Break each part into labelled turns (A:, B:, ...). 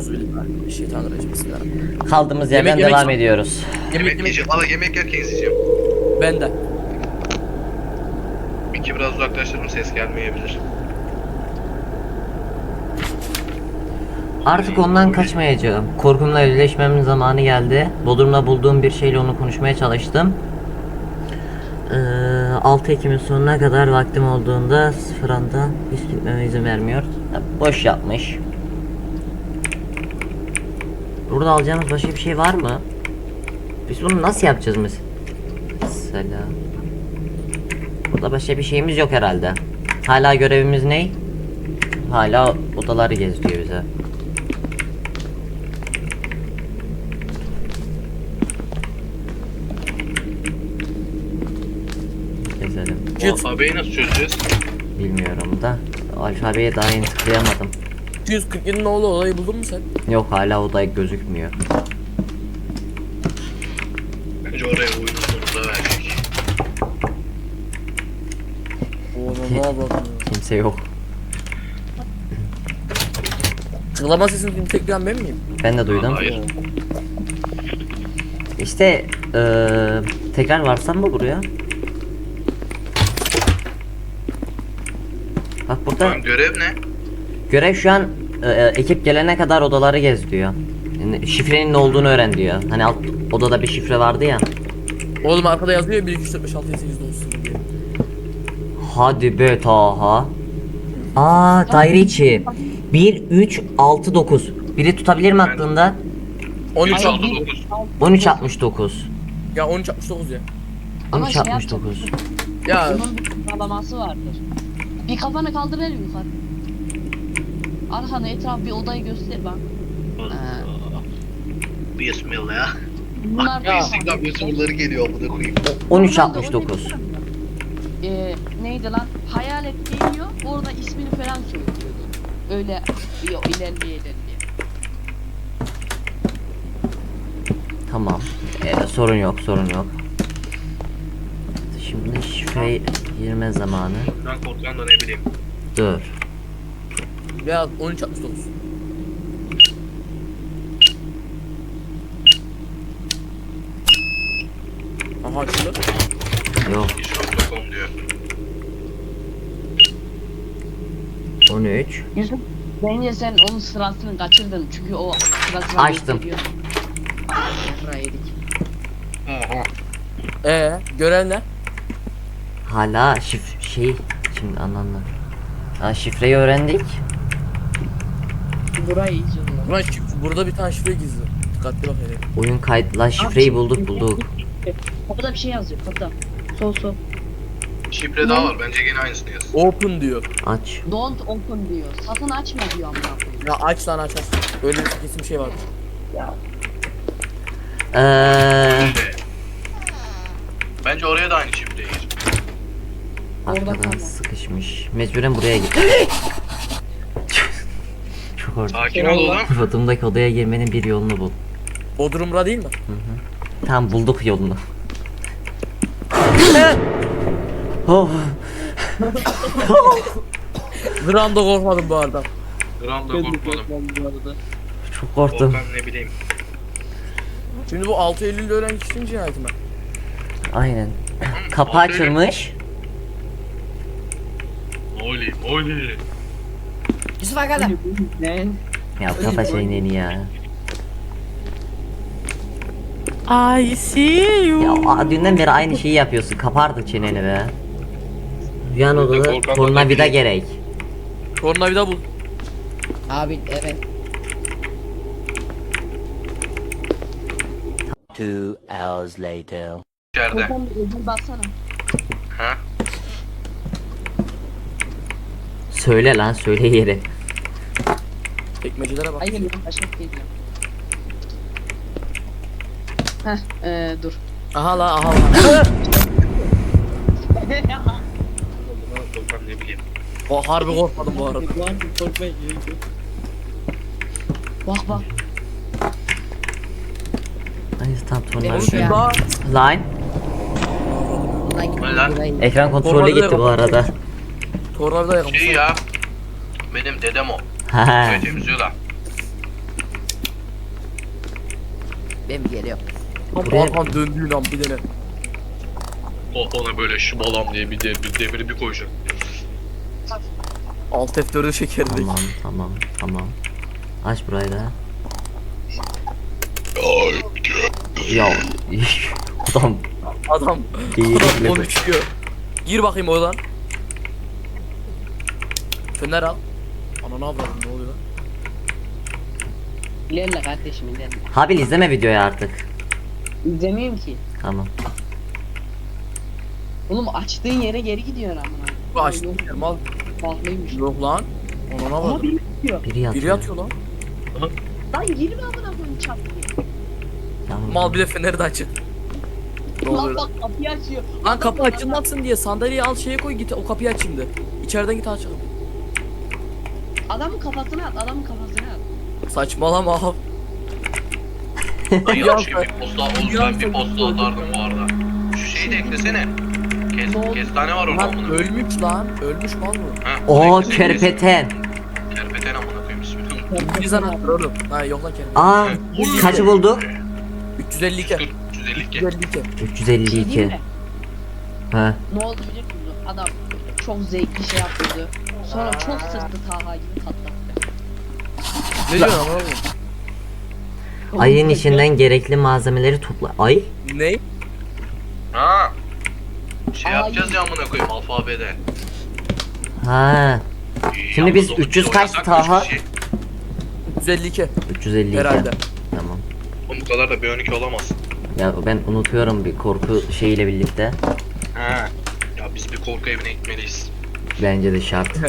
A: Euzubillahimineşşeytanirracim. Bismillahirrahmanirrahim.
B: Kaldığımız yerden
A: Yemek
B: devam
A: yemek-
B: ediyoruz.
C: Yemek yiyeceğim. Valla yemek yerken izleyeceğim.
A: Ben de.
C: Miki biraz uzaklaştırdım, ses gelmeyebilir.
B: Artık ondan kaçmayacağım. Korkumla yüzleşmemin zamanı geldi. Bodrum'da bulduğum bir şeyle onu konuşmaya çalıştım. 6 Ekim'in sonuna kadar vaktim olduğunda sıfır anda hiç gitmeme izin vermiyor. Boş yapmış. Burada alacağımız başka bir şey var mı? Biz bunu nasıl yapacağız mesela? Burada başka bir şeyimiz yok herhalde. Hala görevimiz ne? Hala odaları gezdiriyor bize. Gezelim.
C: Bu alfabeyi nasıl çözeceğiz?
B: Bilmiyorum da. Alfabeye daha yeni tıklayamadım.
A: 247'nin oğlu olayı buldun mu sen?
B: Yok, hala oda gözükmüyor.
C: Bence oraya oyunun sonunda verecek.
A: Oğlum ne yapalım?
B: Kimse yok.
A: Çığlama sesini tekrar ben miyim?
B: Ben de duydum.
C: Hayır.
B: İşte tekrar varsam mı buraya? Bak burada
C: Lan görev ne?
B: görev şu an ekip gelene kadar odaları gez diyor. Yani şifrenin ne olduğunu öğren diyor. Hani alt odada bir şifre vardı ya.
A: Oğlum arkada yazıyor ya 1 2 3 4 5 6 7 8 9 10 diye.
B: Hadi be Taha. Daire içi. 1 3 6 9. Biri tutabilir mi aklında?
A: 13
C: 3
A: al.
C: oldu 9.
B: 13 69.
A: Ya 13 69 ya.
D: Ama
B: 13
D: şey
B: 69.
A: Ya
D: Bunun bir sıralaması vardır. Bir kafanı kaldır el yukarı. Arkana etraf bir odayı göster bak.
C: Bismillah.
D: Bunlar
A: Ya.
C: Instagram YouTuber'ları geliyor amına koyayım.
B: 13 69.
D: Neydi lan? Hayalet geliyor, orada ismini falan söylüyordu. Öyle ilerleye.
B: Tamam. Sorun yok, sorun yok. Şimdi şifre girme zamanı.
C: Ben korkan da ne bileyim.
B: Dur.
A: ya 13 69. Aha açıldı.
B: Yok.
C: İş.com diyor.
B: 13.
D: Yusuf, bence sen onun sırasını kaçırdın çünkü o sırasını
B: Açtım.
D: gösteriyor. Yavra yedik.
C: Oha.
A: Gören ne?
B: Hala şimdi anlamda. Şifreyi öğrendik.
D: Burayı izliyorum.
A: Ulan burada bir tane şifre gizli. Dikkatli bak hele.
B: Oyun kayıt. La şifreyi bulduk.
D: Kapıda bir şey yazıyor kapıda. Sol.
C: Şifre daha var. Bence gene aynısını yaz.
A: Open diyor.
B: Aç.
D: Don't open diyor. Satın açma diyor amına koyayım.
A: Ya aç lan aç. Öyle bir kesin bir şey vardır.
C: Bence oraya da aynı şifreyi gir.
D: Orada
B: Arkadan
D: kalma.
B: sıkışmış. Mecburen buraya git. Çok orada.
C: Sakin ol oğlum.
B: Bodrum'daki odaya girmenin bir yolunu bul.
A: Bodrum'da değil mi?
B: Tamam, bulduk yolunu. Oh,
A: Gramda korkmadım bu arada.
C: Gram da korkmadım.
B: çok korktum.
C: Korkan ne bileyim.
A: Şimdi bu 6 Eylül'de ölen kişinin cinayeti mi?
B: Aynen. Kapı açılmış.
C: Oli.
D: Yusuf arkada. Ne?
B: Ya kafa şeyini ya.
A: I see you.
B: Ya dünden beri aynı şeyi yapıyorsun. Kapardı çeneni be. Yan odada
C: korkan
B: tornavida
C: odada
B: gerek.
A: Tornavida bul.
D: Abi evet.
E: 2 hours later.
C: İçeride.
D: Buradan bir ödül baksana.
C: Ha?
B: Söyle lan, söyle yeri.
A: Tekmecilere bak.
D: Hayır lan başka bir şey diyor. Dur.
A: Aha la.
C: Korkan ne bileyim.
A: O harbi korkmadım bu arada.
D: Bak.
B: Ay tam
D: Evet
B: tornavida.
D: ya.
A: Daha
B: Line.
C: Ne lan?
B: Ekran kontrolü
A: Tornavida
B: gitti bu
A: yok.
B: arada.
A: tornavida yakmış.
C: Şey ya. Benim dedem o.
B: Ha.
C: Böyle temizliyor da.
F: Ben geliyorum.
B: Buraya-
A: Arkan döndüğün an bir tane.
C: Ona böyle şımalam diye bir demiri bir koyacak.
A: Alt F4'ü çekerdik.
B: Tamam. Aç burayı da. Ya adam
A: Adam
B: geyikle
A: konuşuyor. Gir bakayım oradan. Fener al. Ana ne yapalım, ne oluyor lan?
D: İlerle kardeşim ilerle.
B: Habil izleme videoyu artık.
D: İzlemeyeyim ki.
B: Tamam.
D: Oğlum açtığın yere geri gidiyorsun amına.
A: Bu açtım mal.
D: Pahalıymış.
A: Yok lan. Ona ne
D: Ama
A: var?
D: biri gidiyor.
B: Biri yatıyor.
A: Biri yatıyor lan.
D: Lan girme amına koyayım çap diye.
B: Tamam.
A: Mal bile feneri de açık. Ne
D: Lan
A: oluyor lan?
D: bak kapıyı açıyor.
A: Lan kapı açılmasın diye sandalyeyi al şeye koy git o kapıyı aç şimdi. İçeriden git aç.
D: Adamın kafasına at, adamın kafasına at.
A: Saçmalama abi.
C: Ay
A: Ya
C: yanlış gibi
A: sen-
C: bir posta. Oğlum ben bir posta atardım bu arada. Şu şeyi de eklesene. Kestane var orada
A: Lan
C: amına.
A: ölmüş lan. Ölmüş mal mı?
C: Ha,
B: O
C: eklesene.
B: kerpeten.
C: Kerpeten amına koyayım ismini.
A: İngiliz anahtarı oğlum. Ha yok lan kendi.
B: Aa kaçı bulduk?
A: 352.
C: 352.
A: 352.
B: 352.
D: Değil mi?
B: Ha.
D: Ne oldu biliyor musun? Adam çok zevkli şey yapıyordu. Sonra çok sırtı Taha gibi patlattı.
A: Ne diyorsun ama oğlum?
B: Ayın içinden gerekli malzemeleri topla. Ay?
A: Ne?
C: Ha. Şey
D: Ay.
C: yapacağız ya amına koyayım alfabede.
B: Ha. Şimdi
C: Yalnız
B: biz
C: onu
B: 300 kaç
C: oynasak
B: Taha?
C: 300 şey.
A: 352.
B: 352.
A: Herhalde.
B: Tamam.
C: Oğlum bu kadar da B12 olamaz.
B: Ya ben unutuyorum bir korku şeyiyle birlikte.
C: Ha. Ya biz bir korku evine gitmeliyiz.
B: Bence de şart.
C: Aa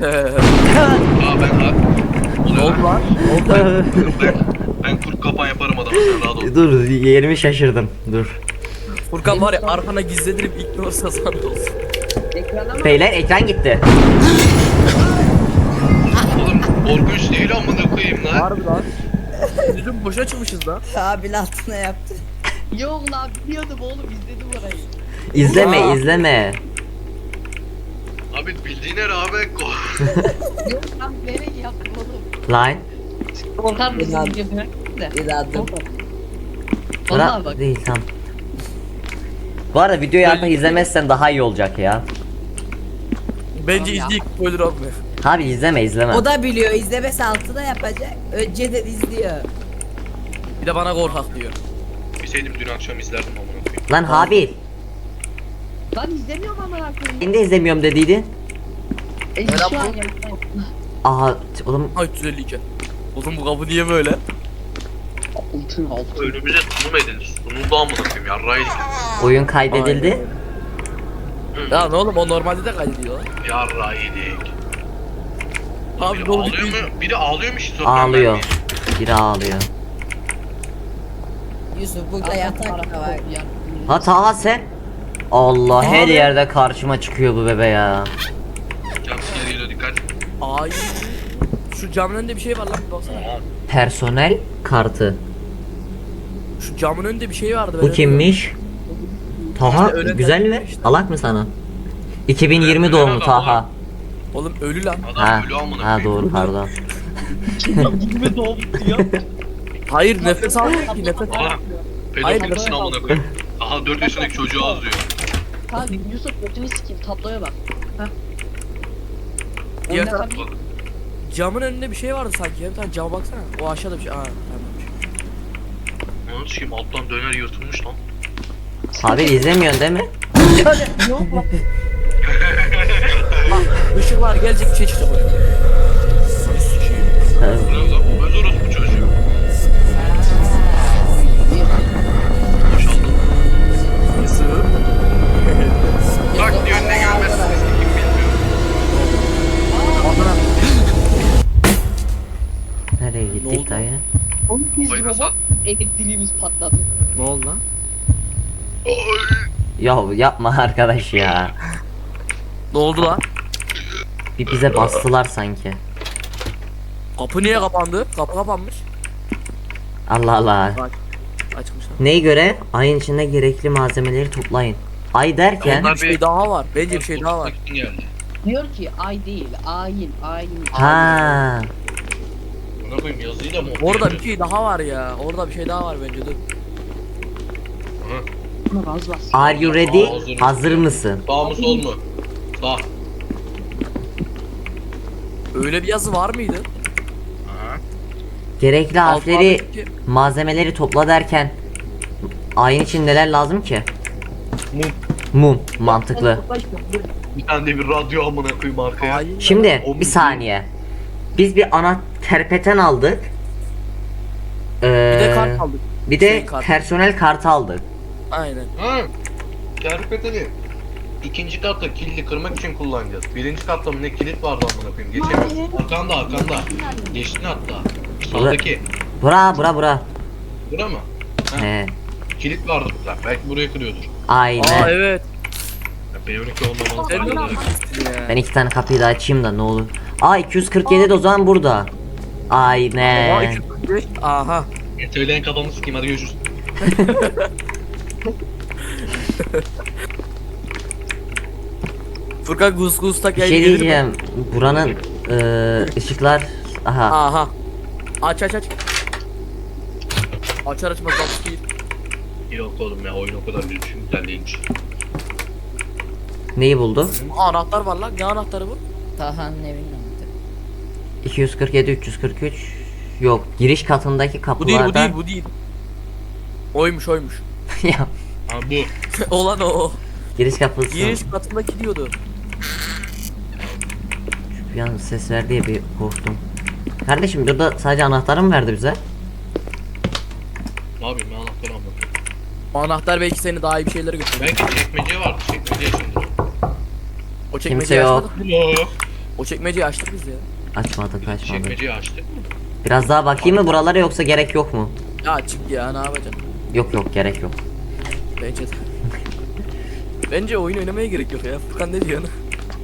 C: ben
A: Ne oldu lan?
C: ben kurt kapan yaparım adama sen rahat ol.
B: Dur yerimi şaşırdım. Dur.
A: Furkan var ya arkana gizledirip ignorsa sana olsun.
D: Ekrana mı?
B: Beyler ekran gitti.
C: Oğlum korkunç değil amına koyayım lan.
A: Harbi lan. Bizim boşa çıkmışız lan.
F: Abil altına yaptı.
D: Yok lan biliyordum oğlum izledim orayı.
B: İzleme izleme.
C: Abi bildiğine rağmen
D: Yok lan bilerek yaptım oğlum.
B: Line.
D: Korkar mısın
F: İnan.
D: videomu? De.
F: İnadım.
D: Vallahi
B: Bırak
D: bak.
B: değil tamam. Bu arada videoyu artık izlemezsen daha iyi olacak ya.
A: Bence
D: Tamam ya.
A: izleyip spoiler atmıyor.
B: Abi izleme.
F: O da biliyor. İzlemesi altı da yapacak. Önceden izliyor.
A: Bir de bana korkak diyor.
C: bilseydim dün akşam izlerdim amına koyayım.
B: Lan Habil.
D: Lan izlemiyorum amına koyayım.
B: Ben de izlemiyorum dediydin.
D: Şu an
A: Merhaba.
D: yapıyorum.
B: Aha oğlum
A: Ha 352. Oğlum bu kapı niye böyle?
D: Altın altın.
C: Önümüze sunum edildi. Sunuldu amına koyayım yarraydık.
B: oyun kaydedildi.
A: Ya ne oğlum o normalde de kaydediyor lan.
C: Yarraydık.
A: Abi
C: Biri
A: ne oldu
C: ağlıyor
A: ki?
C: mu? Biri ağlıyor mu işte?
B: Ağlıyor. Biri ağlıyor.
F: Yusuf burada yatak da var.
B: Ha Taha sen. Allah her yerde karşıma çıkıyor bu bebe ya.
C: Jumpscare geliyor dikkat.
A: Ay. Şu camın önünde bir şey var lan bir baksana.
C: Aman.
B: Personel kartı.
A: Şu camın önünde bir şey vardı.
B: Bu
A: ben
B: kimmiş? Taha
A: İşte öyle
B: güzel mi?
A: derler işte.
B: Alak mı sana? 2020
C: Öyle
B: doğumlu
C: adam
B: Taha.
C: var.
A: Oğlum ölü lan.
C: Adam
B: Ha,
C: ölü amına
B: ha
C: koyayım.
B: doğru pardon.
D: Gibi doğdu ya.
A: Hayır nefes almıyor ki nefes
C: Aha.
A: almıyor.
C: Pedofilsin amına koyayım. Aha 4 yaşındaki çocuğu azlıyor.
D: Kanka Yusuf götünü sikeyim tabloya bak. Heh.
A: Diğer
D: Oyna
A: taraf-
D: tabii.
A: Camın önünde bir şey vardı sanki. Bir tane cama baksana. O aşağıda bir şey. Aa tamam.
C: Onun sikeyim alttan döner yırtılmış lan.
B: Abi izlemiyorsun değil mi?
D: Yok lan.
A: Işıklar gelecek bir şey çıkacak oraya. Seni sikeyim.
B: Ha,
C: Bu ne lan? Bu öz orospu çocuğu. Boşaldı.
A: Sığır.
C: Bak diyor ne gelmezsiniz ki kim bilmiyor.
A: Adana.
B: Nereye
A: Ne oldu?
B: gittik dayı?
D: Oğlum biz
C: Kafayı
D: robot
C: sat.
D: elektriğimiz patladı.
A: Ne oldu lan?
B: Ya yapma arkadaş ya.
A: Ne oldu lan?
B: Bir bize bastılar sanki.
A: Kapı niye kapandı? Kapı kapanmış.
B: Allah Allah.
A: Açmışlar.
B: Neye göre? Ayın içinde gerekli malzemeleri toplayın. Ay derken
C: Onlar
A: Bir şey daha var. Bence bir şey daha var.
C: Geldi.
D: Diyor ki ay değil, ayin.
B: ha
C: Amına koyayım yazıyı da mı
A: Orada
C: okuyamıyor?
A: bir şey daha var ya. Orada bir şey daha var bence dur.
C: Hı.
D: Buna gaz bas.
B: Are you ready?
C: Hazır
B: Hazır mısın?
C: Sağ mı sol mu? Sağ.
A: Öyle bir yazı var mıydı?
C: Aha.
B: Gerekli harfleri,
A: Alfabedeki-
B: malzemeleri topla derken ayin için neler lazım ki?
C: Mum.
B: Mum. Mantıklı.
C: Bir tane de bir radyo amına koyayım arkaya.
A: Hain.
B: Şimdi
C: O
B: bir saniye. Biz bir ana terpeten aldık.
A: Bir de kart aldık.
B: Bir de
A: Şey kart.
B: personel kartı aldık.
A: Aynen.
C: Ha. Kerpeteli. İkinci katta kilidi kırmak için kullanacağız. Birinci katta mı ne kilit vardı amına koyayım. Geçemiyoruz. Arkanda. Geçtin hatta. Sağdaki.
B: Bura.
C: Bura mı? Ha.
B: He.
C: Kilit vardı burada. Belki buraya kırıyordur.
B: Aynen.
A: Aa evet.
C: Ya B12 olmamalı.
A: Sen de
C: bence de.
A: büyüksün ya.
B: Ben 2 tane kapıyı da açayım da ne olur. Aa 247 de o zaman burada.
A: Aa,
B: Aynen.
A: 245. Aha.
C: Söyleyen kafamı sikeyim hadi görüşürüz.
A: Furkan Gus tak
B: Bir
A: yayını
B: şey
A: gelir mi?
B: diyeceğim. Buranın ışıklar. Aha.
A: Aha. Aç. Açar açmaz bak değil.
C: Yok oğlum ya oyun o kadar güzel değilmiş.
B: Neyi buldu?
A: Anahtar var lan. Ne anahtarı bu?
F: Taha'nın evinin anahtarı.
B: 247 343. Yok, giriş katındaki
A: Bu değil
B: kapılardan.
A: bu değil. Oymuş.
B: Ya,
C: Ha bu.
A: Olan o.
B: giriş kapısı.
A: Giriş katındaki diyordu.
B: Bir an ses ver diye bir korktum. Kardeşim burada sadece anahtarı mı verdi bize?
C: Ne yapayım ben anahtarı anlatıyorum.
A: Anahtar belki seni daha iyi bir şeylere götürür.
C: Belki çekmece vardı. Çekmece içindir o.
A: O
B: Kimse
A: çekmeceyi
B: yok.
A: açmadık.
C: Yok.
A: O çekmeceyi açtık biz ya.
B: Açmadık.
C: Çekmeceyi açtı.
B: Biraz daha bakayım mı buralara yoksa gerek yok mu?
A: Ya çık ya ne yapacaksın?
B: Yok gerek yok.
A: Bence de. Bence oyun oynamaya gerek yok ya. Furkan ne diyor?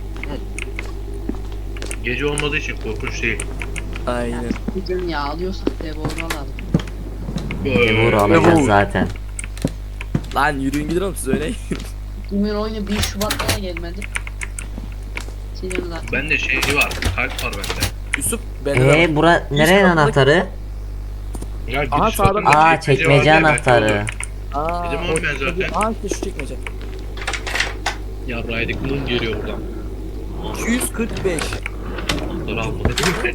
C: Gece olmadığı için korkunç değil.
A: Aynen.
D: Bugün ya alıyorsak Devor'u alalım.
B: Vur
A: Vur.
B: alacağız zaten.
A: Lan yürüyün gidin oğlum siz oynayın.
D: Kimin oyunu 1 Şubat'ta da gelmedi. Senin lan.
C: Bende şey var. Kalp var bende.
A: Yusuf bende de var.
B: Bura nerenin
A: kapıda-
B: anahtarı?
C: Ya
A: Aha,
C: giriş
A: sağda-
C: katında
B: Aa çekmece
C: var ya, belki
B: anahtarı.
C: olur.
A: Aa,
C: Dedim oğlum ben zaten.
A: Aa işte şu çekmece.
C: Ya Raydik mum geliyor buradan.
A: 245.
C: Anahtarı almadı.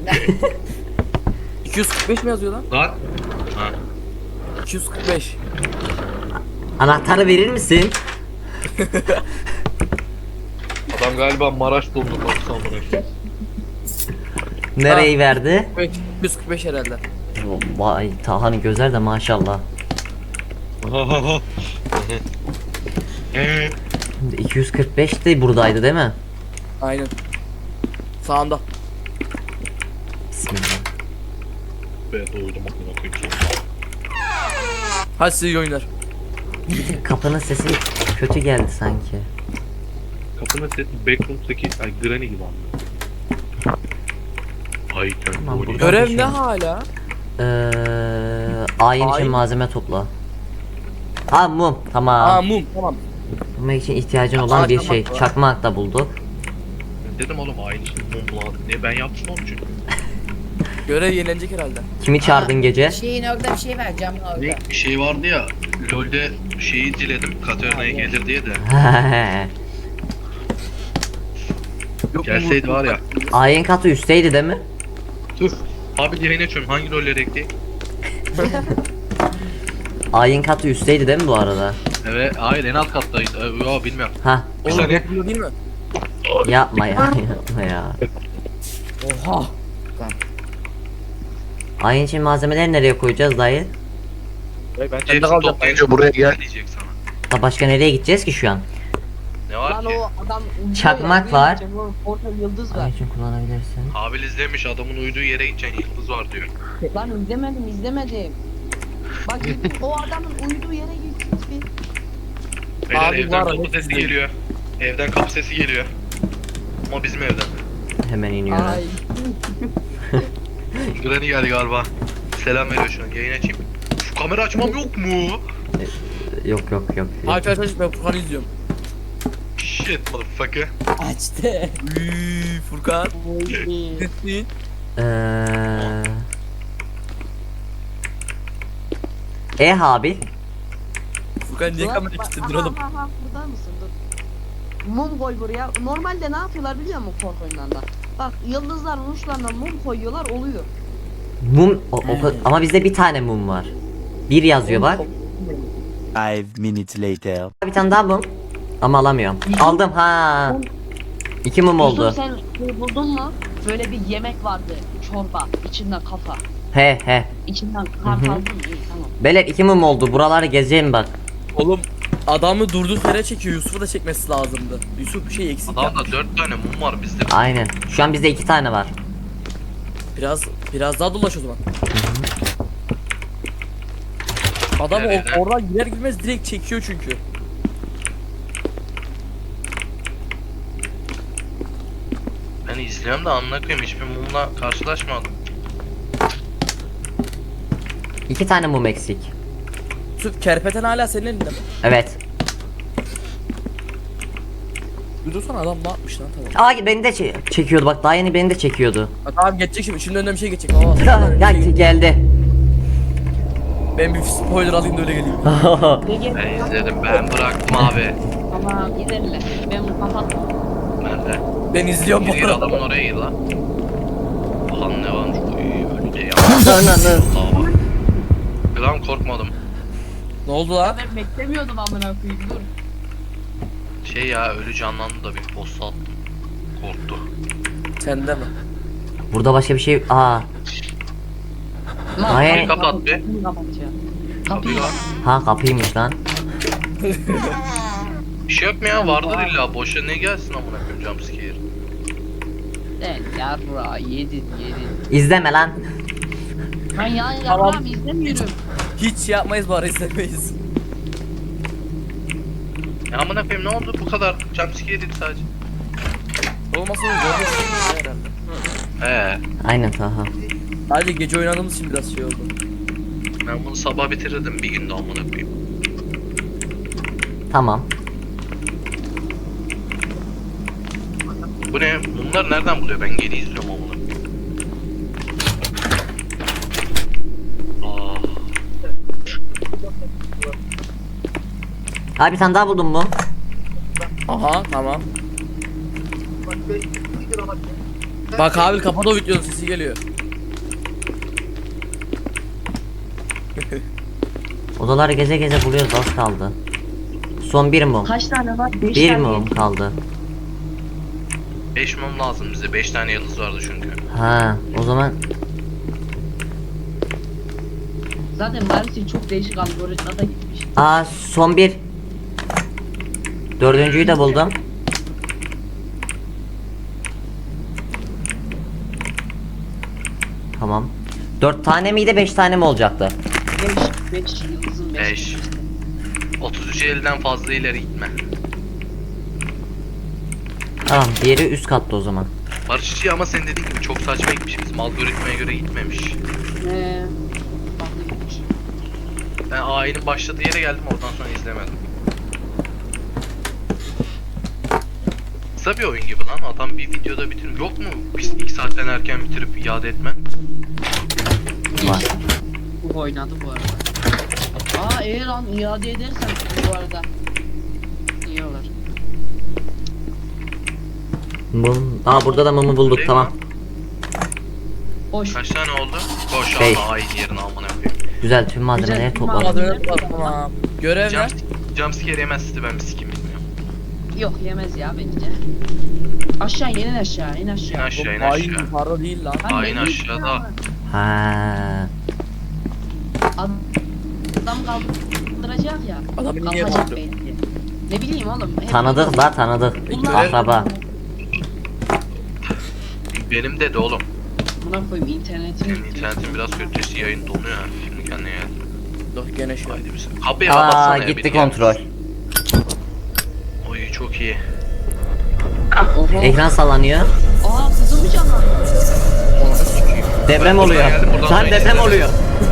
A: 245 mi yazıyor lan?
C: Lan. Ha.
A: 245.
B: Anahtarı verir misin?
C: Adam galiba Maraş doldu baksana bırak.
B: Nereyi verdi?
A: 245 herhalde.
B: Vay Taha'nın gözler de maşallah. Şimdi 245 de buradaydı değil mi?
A: Aynen. Sağında.
B: Bismillah.
C: Be doydum aklıma koyayım.
A: Hadi size iyi oyunlar.
B: Kapının sesi kötü geldi sanki.
C: Kapının sesi Backrooms'taki Granny gibi anlıyor. Ay
B: Tamam,
C: kendi
B: burada-
A: Görev
B: bir
A: ne
B: şey.
A: hala?
B: Ayin için
A: Ayin.
B: malzeme topla. Ha mum
A: Aa
B: tamam.
A: mum tamam.
B: Mum için ihtiyacın olan bir şey.
A: Çakmak var.
B: Çakmak da bulduk.
C: Dedim oğlum aynı şey mum lan. Ne ben yaptım onun için.
A: Görev yenilenecek herhalde.
B: Kimi çağırdın gece?
F: Şeyin orada bir şey var camın orada.
C: Ne bir şey vardı ya. LoL'de şeyi diledim Katarina'ya gelir diye de.
A: Yok mu
C: Gelseydi
A: bu-
C: var ya.
B: Ayin katı üstteydi değil mi?
C: Dur. Abi yayın açıyorum. Hangi rolleri ekleyeyim?
B: Ayin katı üstteydi değil mi bu arada?
C: Evet, hayır en alt kattaydı. Yo bilmiyorum.
B: Ha
A: Oğlum
C: saniye.
A: bu değil mi?
B: yapma ya yapma ya.
A: Oha.
B: Ayin için malzemeleri nereye koyacağız dayı?
A: Ben de
C: Hepsini
A: kalacağım.
C: toplayınca buraya gel diyecek sana.
B: Da başka nereye gideceğiz ki şu an?
C: Ne var
D: Lan
C: ki?
D: o adam uyuyor
B: Çakmak
D: ya,
B: var.
D: Orada yıldız var.
B: Ayin için kullanabilirsin.
C: Abi izlemiş adamın uyuduğu yere gideceksin yıldız var diyor.
D: Lan izlemedim. Bak o adamın uyuduğu yere git bir.
C: Beyler
A: Abi
C: evden
A: var,
C: kapı
A: hepsi
C: sesi
A: izledim.
C: geliyor. Evden kapı sesi geliyor. Ama bizim evden.
B: Hemen iniyorum.
D: Ay.
C: Granny geldi galiba. Selam veriyor şu an. Yayın açayım. Şu kamera açmam yok mu?
B: Yok.
A: Aç ben Furkan'ı izliyorum.
C: Shit motherfucker.
F: Açtı.
A: Furkan. Nesin?
B: Habil.
A: Furkan niye kamera kilitledin oğlum?
D: Burada mısın? Dur. Mum koy buraya. Normalde ne yapıyorlar biliyor musun korku oyunlarında? Bak yıldızların uçlarına mum koyuyorlar oluyor.
B: Mum ama bizde bir tane mum var. Bir yazıyor bak.
E: 5 minutes later.
B: Bir tane daha mum. Ama alamıyorum. Aldım ha. 2 mum oldu.
D: Yusuf sen şey buldun mu? Böyle bir yemek vardı. Çorba. İçinden kafa.
B: He.
D: İçinden kart
B: Hı hı.
D: aldın mı? İyi tamam.
B: Beyler 2 mum oldu. Buraları gezeceğim bak.
A: Oğlum adamı durduk yere çekiyor. Yusuf'u da çekmesi lazımdı. Yusuf bir şey eksik
C: Adamda
A: yapmış.
C: 4 tane mum var bizde.
B: Aynen. Şu an bizde 2 tane var.
A: Biraz daha dolaş o zaman. Adam
C: Nereye?
A: oradan girer girmez direkt çekiyor çünkü.
C: Ben izliyorum da amına koyayım hiçbir mumla karşılaşmadım.
B: 2 tane mum eksik.
A: Yusuf kerpeten hala senin elinde mi?
B: Evet.
A: Dudursana adam ne yapmış lan tamam.
B: Beni de çekiyordu bak. Daha yeni beni de çekiyordu.
A: Ha, tamam geçecek şimdi. Şimdi önüne bir şey geçecek. Baba.
B: Ya geldi.
A: Ben bir spoiler alayım da öyle geleyim.
C: Ben izledim, ben bıraktım abi.
D: Tamam giderler. Ben bunu kapattım.
C: Nerede?
A: Ben izliyorum
C: Gir
A: bunu.
C: adamın oraya gir lan. Bakalım ne varmış. Uy öyle de ya.
B: Ananı.
C: Gram korkmadım.
A: Ne oldu lan?
D: Ben beklemiyordum amına koyayım dur.
C: Şey ya ölü canlandı da bir boss attım. Korktu.
A: Sende mi?
B: Burada başka bir şey. Hayır.
C: Kapat bir.
D: Kapıyı kapatacağım. Kapıyı
C: Kapıyı var.
B: Ha kapıymış lan.
C: Bir şey yok mu ya? Vardır illa. Boşa ne gelsin amına koyayım jumpscare.
D: Sen yarra yedin.
B: İzleme lan.
D: Ben ya
A: Tamam.
D: yarram izlemiyorum.
A: Hiç şey yapmayız bari izlemeyiz.
C: Ya amına koyayım ne oldu bu kadar jumpscare dedi sadece.
A: Olmasa olur. Herhalde.
B: Aynen Taha.
A: Sadece gece oynadığımız için biraz şey oldu.
C: Ben bunu sabah bitirirdim bir günde amına koyayım.
B: Tamam.
C: Bu ne? Bunlar nereden buluyor? Ben geri izliyorum amına.
B: Bir tane daha buldun mu?
A: Aha tamam. Bak abi kapat o videonun sesi geliyor.
B: Odaları geze geze buluyoruz, az kaldı. Son bir mum.
D: Kaç tane var? 5
B: Bir
D: tane.
B: mum kaldı.
C: 5 mum lazım bize. 5 tane yıldız vardı çünkü.
B: Ha, o zaman
D: Zaten Maris'in çok değişik algoritma da gitmiş.
B: son bir. Dördüncüyü de buldum. Tamam. 4 tane miydi 5 tane mi olacaktı?
D: 5 yıldızın 5.
C: 5. 33 elden fazla ileri gitme.
B: Tamam, diğeri üst katta o zaman.
C: Barışçı ama sen dediğin gibi çok saçma gitmiş. Bizim algoritmaya göre gitmemiş.
D: Farklı gitmiş.
C: Ben ayinin başladığı yere geldim oradan sonra izlemedim. Kısa bir oyun gibi lan. Adam bir videoda bitirir. Yok mu? Biz 2 saatten erken bitirip iade etme.
B: Var.
D: Bu oynadı bu arada. Eğer lan iade edersen bu arada. İyi olur.
B: Mum. Burada da mumu bulduk,
C: Değil
B: tamam.
C: mi?
D: Boş.
C: Kaç tane oldu? Koş
B: Beş.
C: ama ayin yerine amına koyayım.
B: Güzel, tüm malzemeleri
D: Güzel,
B: topladım.
A: Malzemeler var tamam. Görev ne?
C: Jumpscare yemezdi ben bir sikim bilmiyorum.
D: Yok yemez ya bence. Aşağı in aşağı in
C: İn
D: aşağı.
C: aşağı in
A: Hain
C: aşağı.
A: para değil lan.
D: Lan
C: Ayin
D: ne
C: aşağıda.
D: bileyim
B: Ha.
D: Adam kaldıracak ya.
A: Adamı niye
D: Kalkacak
A: vurdu?
D: belki. Ne bileyim oğlum. hep
B: Tanıdık
D: böyle-
B: la, tanıdık.
A: Görev-
B: Akraba.
C: Benim de oğlum.
D: Buna koyayım internetim.
C: Senin internetin biraz kötü. Yayın donuyor ha. Şimdi kendine gel.
A: Dur gene şey.
C: Haydi bir sen. Kapıyı kapatsana ya.
B: Gitti
C: biri gelmiş.
B: kontrol.
C: Oy çok iyi.
D: Oho.
B: Ekran sallanıyor.
D: Kızım mı canlandı?
B: Deprem
C: Ben
B: oluyor.
C: buradan geldim, buradan
B: Lan
C: sonra
B: deprem
C: izledim.
B: oluyor.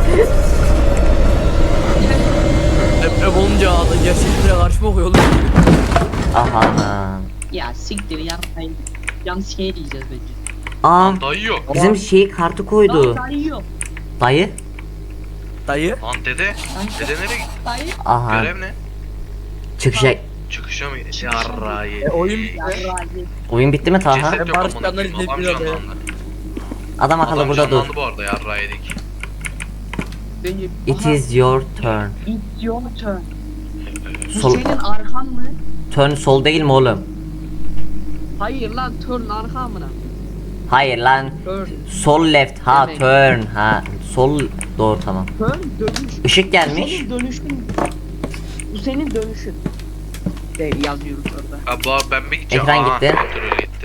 A: Deprem olunca gerçekliğe karşı mı okuyor oğlum?
B: Aha.
D: Ya siktir yapmayın. Yalnız şey diyeceğiz bence.
C: Dayı yok.
B: Bizim kartı koydu.
D: Daha iyi yok.
B: Dayı.
A: Dayı.
C: Lan dede. Dede nereye gitti?
D: Dayı.
B: Aha.
C: Görev ne?
B: Çıkacak.
C: Çıkışa mı? Yarrayı.
A: Oyun bitti.
B: Oyun bitti mi Taha?
C: Ceset yok
A: Barış
C: amına
A: Canlar'ı
C: koyayım. Adam
A: izlediler ya.
C: canlandı.
B: Adam akıllı
C: Adam
B: burada dur.
C: canlandı bu arada yarrayı yedik.
D: Benim.
B: It is your turn.
D: It's your turn. Bu
B: Sol,
D: senin arkan mı?
B: turn sol değil mi oğlum?
D: Hayır lan turn arka amına.
B: Hayır lan.
D: Turn.
B: Sol left. Ha
D: Demek.
B: turn. Ha sol doğru tamam.
D: Turn dönüş.
B: Işık
D: Bu
B: gelmiş.
D: senin dönüşün. Bu senin dönüşün. De yazıyoruz orada.
C: Abi ben bir gideceğim.
B: Ekran
C: Aha,
B: gitti.
C: kontrol gitti.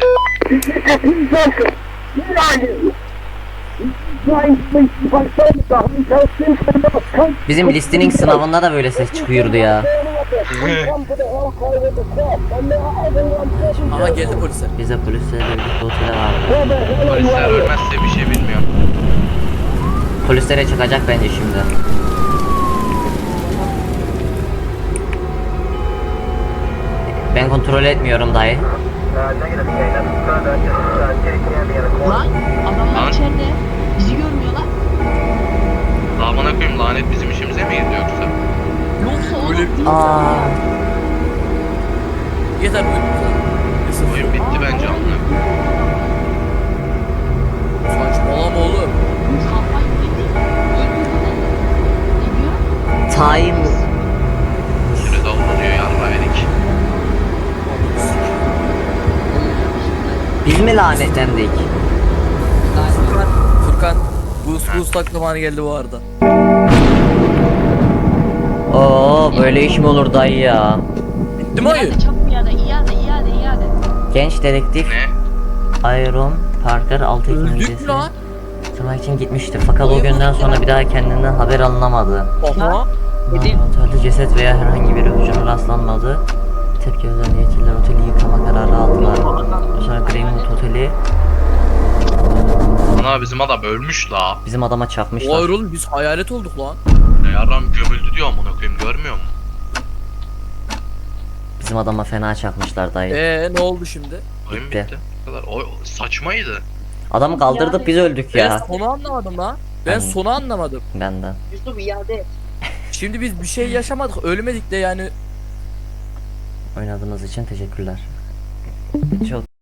B: Bizim listening sınavında da böyle ses çıkıyordu ya.
A: Aha geldi polisler.
B: Bize polislerle birlikte otele vardı.
C: Polisler ölmezse bir şey bilmiyorum.
B: Polislere çıkacak bence şimdi. Ben kontrol etmiyorum dayı.
D: Lan adamlar
C: Lan.
D: içeride. Bizi görmüyorlar.
C: Lan bana koyayım lanet bizim işimize mi girdi yoksa?
D: Yoksa oğlum
A: Öyle-
D: değil.
B: Aa,
A: Yeter oyun bitti.
C: Oyun bitti bence amına.
A: Saçmalama oğlum.
D: Kafayı yedi. Öldürdüler. Ne diyor?
B: time.
C: Süre davranıyor yarrağı yedik.
B: Biz mi lanetlendik?
A: Furkan. Boost tak zamanı geldi bu arada.
B: Oo böyle iş mi olur dayı ya?
A: Bitti mi oyun?
D: İade çabuk iade. İade.
B: Genç dedektif
C: Ne?
B: Iron Parker 6 Ekim
A: Öldük mü
B: öncesi
A: lan?
B: tırnak için gitmişti fakat o günden sonra bir daha kendinden haber alınamadı.
A: Aha.
D: Dedim.
B: Otelde ceset veya herhangi bir öpücüğüne rastlanmadı. Tepki özel yetkililer oteli yıkama kararı aldılar. Sonra Greenwood Oteli
C: Ana bizim adam ölmüş la.
B: bizim adama çarpmışlar.
A: Hayır oğlum biz hayalet olduk lan.
C: Yarram gömüldü diyor amına koyayım görmüyor musun?
B: Bizim adama fena çarpmışlar dayı.
A: Ne oldu şimdi?
C: Oyun
B: Bitti.
C: bitti. Bu kadar. O saçmaydı.
B: Adamı kaldırdık biz öldük
A: Ben
B: ya.
A: sonu anlamadım lan. Ben
B: Ben-
A: sonu anlamadım.
B: Benden.
D: Yusuf iade et.
A: Şimdi biz bir şey yaşamadık, ölmedik de yani.
B: Oynadığınız için teşekkürler. Çok